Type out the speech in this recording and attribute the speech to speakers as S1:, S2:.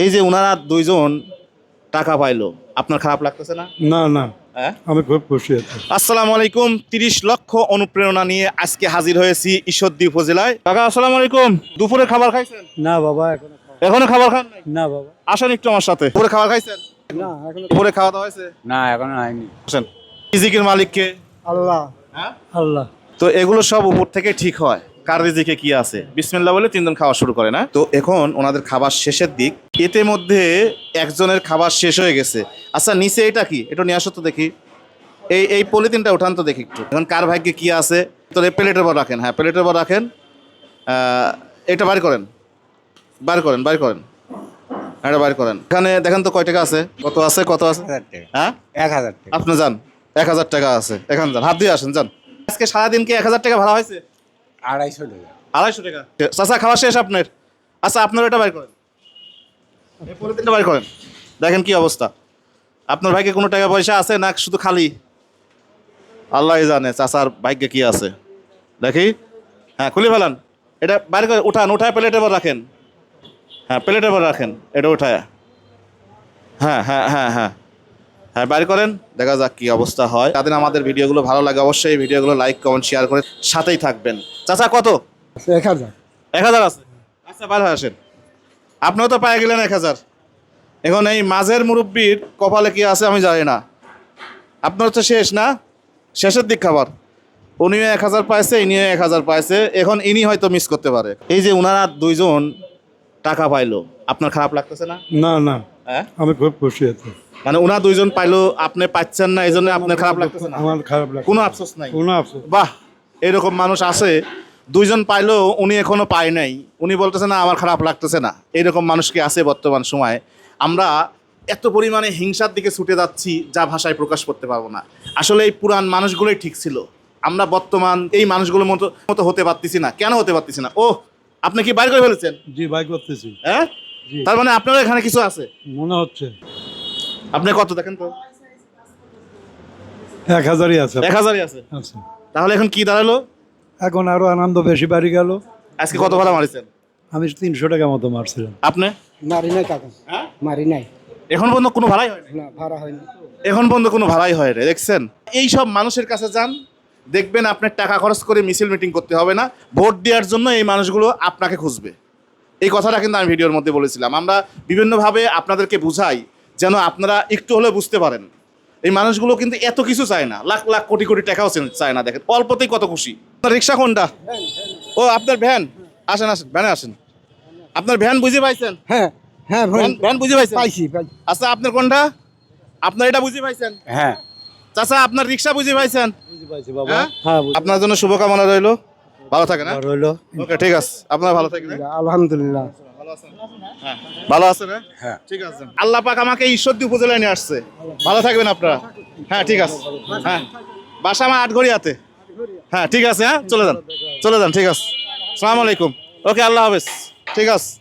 S1: এই যে ওনারা দুইজন টাকা পাইলো, আপনার খারাপ লাগতেছে না?
S2: না না,
S1: হ্যাঁ,
S2: আমি খুব খুশি আছি।
S1: আসসালামু আলাইকুম। 30 লক্ষ অনুপ্রেরণা নিয়ে আজকে হাজির হয়েছি ঈশ্বরদী উপজেলায়। কাকা আসসালামু আলাইকুম। দুপুরে খাবার খাইছেন?
S2: না বাবা,
S1: এখনো খাবার খান নাই?
S2: না বাবা,
S1: আসেন একটু আমার সাথে। দুপুরে খাবার খাইছেন?
S2: না এখনো।
S1: দুপুরে খাওয়া দাওয়া হয়েছে?
S2: না এখনো হয়নি।
S1: আসেন। রিজিকের মালিক কে?
S2: আল্লাহ।
S1: হ্যাঁ,
S2: আল্লাহ।
S1: তো এগুলো সব উপর থেকে ঠিক হয়। কার রিজিকে কি আছে বিসমিল্লাহ বলে তিনজন খাওয়া শুরু করে না। তো এখন ওনাদের খাবার শেষের দিক, এতে মধ্যে একজনের খাবার শেষ হয়ে গেছে। আচ্ছা নিচে এটা কি, এটা নিয়ে আসো তো দেখি। এই পলিথিনটা উঠান তো দেখি একটু। এখন কার ভাগ্যে কি আছে তো প্লেটের পর রাখেন। হ্যাঁ প্লেটের পর রাখেন। এটা বাইর করেন, বাইর করেন, বাইর করেন, এটা বাইর করেন। এখানে দেখেন তো কয় টাকা আছে, কত আছে, কত আছে?
S2: 1000 টাকা।
S1: হ্যাঁ
S2: 1000 টাকা।
S1: আপনি যান, 1000 টাকা আছে। এখানে যান, হাত দিয়ে আসেন, যান। আজকে সারাদিন কি 1000 টাকা ভাড়া হয়েছে?
S2: 250 টাকা।
S1: 250 টাকা। চাচা খাওয়া শেষ আপনার? আচ্ছা আপনার এটা বাইর করেন, এই পলিথিনটা বাইর করেন। দেখেন কি অবস্থা। আপনার ভাগ্যে কোনো টাকা পয়সা আছে না শুধু খালি? আল্লাহই জানে চাচার ভাগ্যে কি আছে। দেখি, হ্যাঁ খুলে ফেলান। এটা বাইর করে উঠান, উঠায় প্লেটের পর রাখেন। হ্যাঁ প্লেটের পর রাখেন, এটা উঠায়। হ্যাঁ হ্যাঁ হ্যাঁ হ্যাঁ হ্যাঁ বাইর করেন, দেখা যাক কি অবস্থা হয়। তাদের আমাদের ভিডিওগুলো ভালো লাগে অবশ্যই ভিডিওগুলো লাইক কমেন্ট শেয়ার করে সাথেই থাকবেন। চাচা কত?
S2: 1000।
S1: 1000 আছে। আচ্ছা বার হয়ে আসেন। আপনিও তো পেয়ে গেলেন 1000। এখন এই মাঝের মুরব্বীর কপালে কি আছে আমি জানি না। আপনার তো শেষ না, শেষের দিক খাবার। উনিও 1000 পাইছে, ইনিও 1000 পাইছে। এখন ইনি হয়তো মিস করতে পারে। এই যে ওনারা দুইজন টাকা পাইলো, আপনার খারাপ লাগতেছে না?
S2: না না,
S1: হ্যাঁ,
S2: আমি খুব খুশি আছি।
S1: মানে ওনারা দুইজন পাইলো, আপনি পাচ্ছেন না, এই জন্য আপনার খারাপ লাগতেছে না?
S2: আমার খারাপ লাগে
S1: কোনো আফসোস নাই?
S2: কোনো আফসোস।
S1: বাহ, এরকম মানুষ আছে। দুইজন পাইলো, উনি এখনো পায় নাই, উনি বলতেছে না আমার খারাপ লাগতেছে না। এরকম মানুষ কি আছে বর্তমান সময়ে? আমরা এত পরিমাণে হিংসার দিকে ছুটে যাচ্ছি যা ভাষায় প্রকাশ করতে পারবো না। আসলে এই পুরান মানুষগুলোই ঠিক ছিল। আমরা বর্তমান এই মানুষগুলোর মতো মতো হতে পারতেছি না। কেন হতে পারতেছি না? ও, আপনি কি বাইর করে ফেলেছেন?
S2: জি ভাই, করতেছি।
S1: হ্যাঁ,
S2: জি।
S1: তার মানে আপনারও এখানে কিছু আছে।
S2: মনে হচ্ছে
S1: আপনি কত দেখেন তো?
S2: 1000ই আছে।
S1: 1000ই আছে।
S2: আচ্ছা,
S1: তাহলে এখন কি দাঁড়ালো?
S2: এখন আরো আনন্দ বেশি বাড়ি গেল।
S1: আজকে কত ভাড়া মারিছেন?
S2: আমি 300 টাকা মতো মারছিলাম।
S1: আপনি?
S3: মারি নাই কাকা,
S1: হ্যাঁ,
S3: মারি নাই,
S1: এখন পর্যন্ত কোনো ভাড়াই হয় না।
S3: না ভাড়া হয়নি।
S1: এখন পর্যন্ত কোনো ভাড়াই হয় না। দেখছেন, এই সব মানুষের কাছে যান, দেখবেন আপনার টাকা খরচ করে মিছিল মিটিং করতে হবে না। ভোট দেওয়ার জন্য এই মানুষগুলো আপনাকে খুঁজবে। এই কথাটা কিন্তু আমি ভিডিওর মধ্যে বলেছিলাম। আমরা বিভিন্নভাবে আপনাদেরকে বুঝাই যেন আপনারা একটু হলেও বুঝতে পারেন। এই মানুষগুলো কিন্তু এত কিছু চায় না, লাখ লাখ কোটি কোটি টাকাও চায় না। দেখেন অল্পতেই কত খুশি। আপনার রিক্সা কোনটা? ও আপনার ভ্যান। আসেন আসেন, ভ্যানে আসেন। আপনার ভ্যান বুঝে পাইছেন?
S3: হ্যাঁ হ্যাঁ
S1: ভ্যান বুঝে পাইছেন?
S3: পাইছি।
S1: আচ্ছা আপনার কোনটা? আপনার এটা বুঝে পাইছেন?
S2: হ্যাঁ
S1: চাচা আপনার রিক্সা বুঝে পাইছেন?
S2: বুঝতে পাইছি বাবা।
S1: হ্যাঁ?
S2: হ্যাঁ
S1: আপনার জন্য শুভকামনা রইলো, ভালো থাকেন। হ্যাঁ
S2: রইলো।
S1: ওকে, ঠিক আছে, আপনার ভালো থাকেন।
S3: আলহামদুলিল্লাহ।
S1: হ্যাঁ ভালো আছেন? হ্যাঁ ঠিক আছে। আল্লাহ পাক আমাকে ঈশ্বরদী উপজেলায় নিয়ে আসছে। ভালো থাকবেন আপনারা। হ্যাঁ ঠিক আছে। হ্যাঁ, বাসা আমার আটঘরিয়াতে। হ্যাঁ ঠিক আছে। হ্যাঁ চলে যান, চলে যান। ঠিক আছে, আসসালামু আলাইকুম। ওকে, আল্লাহ হাফেজ। ঠিক আছে।